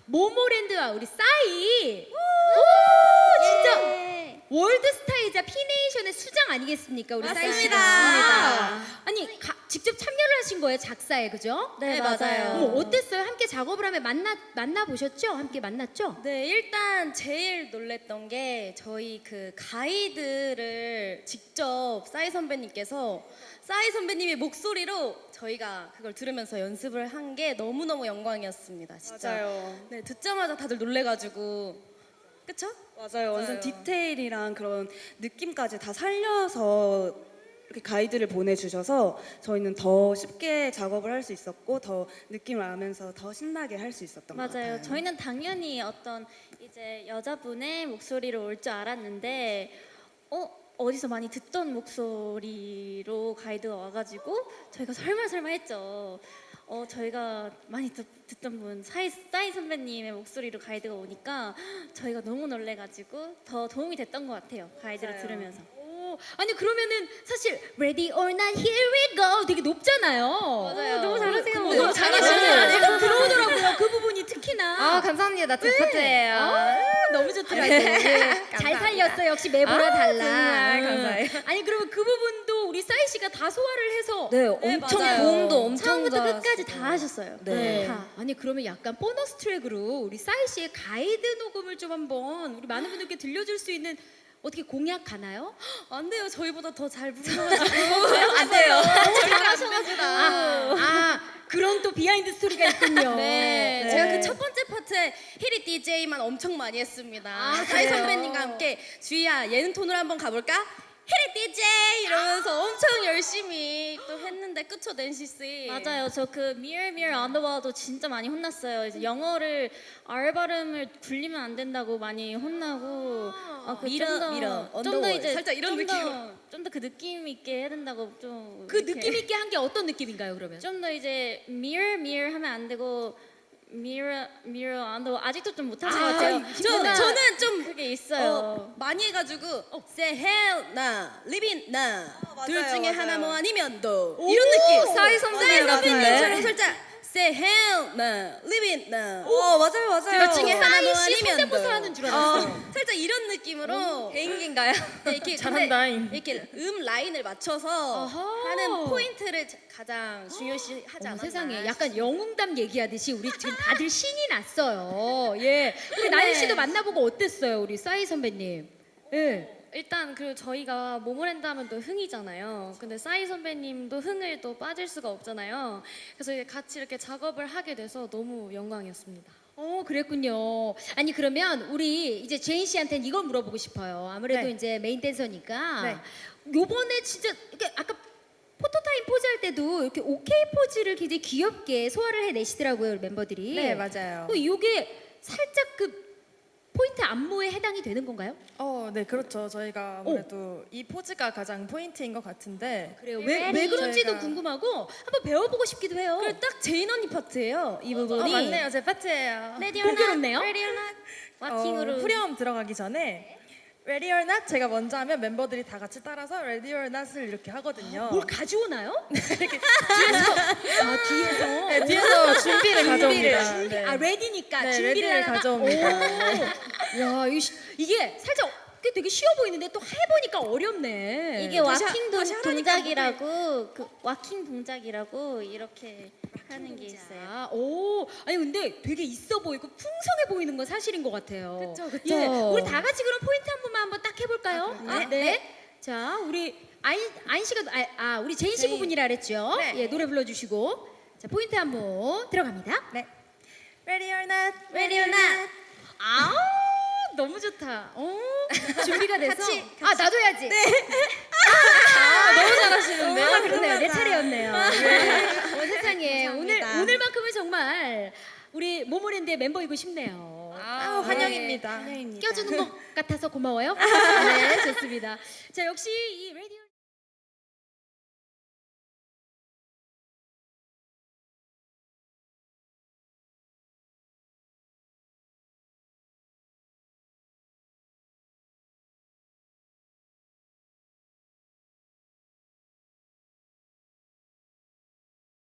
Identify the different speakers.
Speaker 1: 모모랜드와 우리 싸이. 오, 진짜 월드스타이자 피네이션의 수장 아니겠습니까? 우리 싸이 씨가.
Speaker 2: 맞습니다.
Speaker 1: 아니 직접 참여를 하신 거예요, 작사에, 그죠?
Speaker 2: 네, 맞아요.
Speaker 1: 어머, 어땠어요? 함께 작업을 하면 만나 보셨죠? 함께 만났죠?
Speaker 2: 네, 일단 제일 놀랬던 게 저희 그 가이드를 직접 싸이 선배님께서 싸이 선배님의 목소리로 저희가 그걸 들으면서 연습을 한 게 너무너무 영광이었습니다. 진짜.
Speaker 3: 맞아요.
Speaker 2: 네, 듣자마자 다들 놀래가지고. 그쵸?
Speaker 3: 맞아요. 완전
Speaker 2: 맞아요.
Speaker 3: 디테일이랑 그런 느낌까지 다 살려서 이렇게 가이드를 보내주셔서 저희는 더 쉽게 작업을 할 수 있었고 더 느낌을 알면서 더 신나게 할 수 있었던 것 같아요.
Speaker 4: 맞아요. 저희는 당연히 어떤 이제 여자분의 목소리로 올 줄 알았는데 어디서 많이 듣던 목소리로 가이드가 와가지고 저희가 설마 했죠. 저희가 많이 듣던 분 싸이 선배님의 목소리로 가이드가 오니까 저희가 너무 놀래가지고 더 도움이 됐던 것 같아요. 가이드를
Speaker 3: 맞아요.
Speaker 4: 들으면서.
Speaker 1: 오, 아니 그러면은 사실 Ready or Not Here We Go 되게 높잖아요.
Speaker 4: 맞아요. 너무 잘하세요.
Speaker 1: 너무 잘하시네요. 좀 들어오더라고요. 그 부분이 특히나.
Speaker 4: 감사합니다. 제 파트예요.
Speaker 1: 너무 좋더라고요. 예. 잘 살렸어요. 역시 매보라 달라.
Speaker 4: 정말
Speaker 1: 응.
Speaker 4: 감사해요.
Speaker 1: 아니 그러면 그 부분도 우리 싸이 씨가 다 소화를 해서.
Speaker 2: 네,
Speaker 4: 엄청
Speaker 2: 맞아요.
Speaker 4: 고음도 엄청
Speaker 2: 처음부터
Speaker 4: 잘하시고.
Speaker 2: 끝까지 다 하셨어요.
Speaker 1: 네.
Speaker 4: 다.
Speaker 1: 아니 그러면 약간 보너스 트랙으로 우리 싸이 씨의 가이드 녹음을 좀 한번 우리 많은 분들께 들려줄 수 있는 어떻게 공약 가나요?
Speaker 2: 안 돼요. 저희보다 더 잘 부르셔가지고.
Speaker 1: 안 돼요. 그런 또 비하인드 스토리가 있군요.
Speaker 2: 네, 제가 그 첫 번째 파트에 히리 DJ만 엄청 많이 했습니다. 싸이
Speaker 1: 그래요?
Speaker 2: 선배님과 함께 주희야 예능 톤으로 한번 가볼까? 히리 DJ 이러면서 엄청 열심히 또 했는데 그쵸 낸시 씨?
Speaker 4: 맞아요. 저 그 Mirror Mirror on the Wall도 진짜 많이 혼났어요. 이제 영어를 R 발음을 굴리면 안 된다고 많이 혼나고
Speaker 2: 미러,
Speaker 4: 좀 더
Speaker 2: 언더월.
Speaker 4: 이제
Speaker 2: 살짝 이런 느낌으로.
Speaker 4: 좀 더 그 느낌 있게 해야 된다고 좀
Speaker 1: 그 느낌 있게 한 게 어떤 느낌인가요, 그러면?
Speaker 4: 좀 더 이제 Mirror Mirror 하면 안 되고 Mirror Mirror on the Wall 아직도 좀 못하신 것 같아요.
Speaker 2: 저는 좀
Speaker 4: 그게 있어요.
Speaker 2: 많이 해가지고 say hell 나, live in 나, 둘
Speaker 3: 맞아요,
Speaker 2: 중에
Speaker 3: 맞아요.
Speaker 2: 하나 뭐 아니면 너 이런 느낌.
Speaker 1: 싸이
Speaker 2: 선배님처럼
Speaker 1: 선배님.
Speaker 2: 살짝 say hell 나, live in 나.
Speaker 3: 맞아요.
Speaker 2: 둘 중에 하나 뭐
Speaker 1: 싸이 씨
Speaker 2: 아니면
Speaker 1: 성대모사
Speaker 2: 너.
Speaker 1: 하는 줄 알았어요.
Speaker 2: 살짝 이런 느낌으로
Speaker 4: 개인기인가요?
Speaker 2: 네, 이렇게
Speaker 4: 잘한다잉.
Speaker 2: 근데 이렇게 라인을 맞춰서
Speaker 1: 어허.
Speaker 2: 하는 포인트를 가장 중요시 하지 않았나.
Speaker 1: 세상에 약간 영웅담 얘기하듯이 우리 지금 다들 신이 났어요. 예. 우리 나연 씨도 만나보고 어땠어요, 우리 싸이 선배님? 예.
Speaker 5: 일단 그리고 저희가 모모랜드 하면 또 흥이잖아요. 근데 싸이 선배님도 흥을 또 빠질 수가 없잖아요. 그래서 이제 같이 이렇게 작업을 하게 돼서 너무 영광이었습니다.
Speaker 1: 그랬군요. 아니 그러면 우리 이제 제인 씨한테는 이걸 물어보고 싶어요. 아무래도
Speaker 3: 네.
Speaker 1: 이제 메인 댄서니까
Speaker 3: 네.
Speaker 1: 요번에 진짜 이렇게 아까 포토타임 포즈 할 때도 이렇게 오케이 포즈를 굉장히 귀엽게 소화를 해내시더라고요, 우리 멤버들이.
Speaker 3: 네, 맞아요.
Speaker 1: 요게 살짝 그 포인트 안무에 해당이 되는 건가요?
Speaker 6: 네, 그렇죠. 저희가 아무래도 이 포즈가 가장 포인트인 것 같은데
Speaker 1: 그래요. 왜 그런지도
Speaker 6: 저희가-
Speaker 1: 궁금하고 한번 배워보고 싶기도 해요.
Speaker 2: 그리고 딱 제인 언니 파트예요. 이 부분이.
Speaker 6: 맞네요. 제 파트예요.
Speaker 1: 공교롭네요.
Speaker 4: 와킹으로
Speaker 6: 후렴 들어가기 전에 Ready or Not 제가 먼저 하면 멤버들이 다 같이 따라서 Ready or Not을 이렇게 하거든요.
Speaker 1: 뭘 가져오나요? 뒤에서.
Speaker 6: 네, 뒤에서 준비를 가져옵니다. 네.
Speaker 1: 레디니까
Speaker 6: 네,
Speaker 1: 준비를
Speaker 6: 레디를
Speaker 1: 하다가
Speaker 6: 가져옵니다.
Speaker 1: 야, 이게 살짝 되게 쉬워 보이는데 또 해보니까 어렵네.
Speaker 4: 이게 와킹
Speaker 2: 다시 하라니까
Speaker 4: 동작이라고 그 와킹 동작이라고 이렇게 하는 게 있어요.
Speaker 1: 아니 근데 되게 있어 보이고 풍성해 보이는 건 사실인 것 같아요.
Speaker 2: 그쵸.
Speaker 1: 예, 우리 다 같이 그럼 포인트 한 번만 한번 딱 해볼까요? 네. 자, 우리 아인 씨가 우리 제인 씨 부분이라 그랬죠?
Speaker 2: 네.
Speaker 1: 예, 노래 불러주시고 자 포인트 한번 들어갑니다.
Speaker 6: 네. Ready or Not.
Speaker 2: Ready or not.
Speaker 1: 너무 좋다. 준비가 돼서.
Speaker 2: 같이.
Speaker 1: 나도 해야지. 네.
Speaker 6: 너무 잘하시는데요?
Speaker 1: 그러네요. 내 차례였네요. 네. 세상에
Speaker 2: 감사합니다.
Speaker 1: 오늘만큼은 정말 우리 모모랜드의 멤버이고 싶네요.
Speaker 6: 환영입니다.
Speaker 1: 껴주는 것 같아서 고마워요. 네, 좋습니다. 자, 역시 이 레디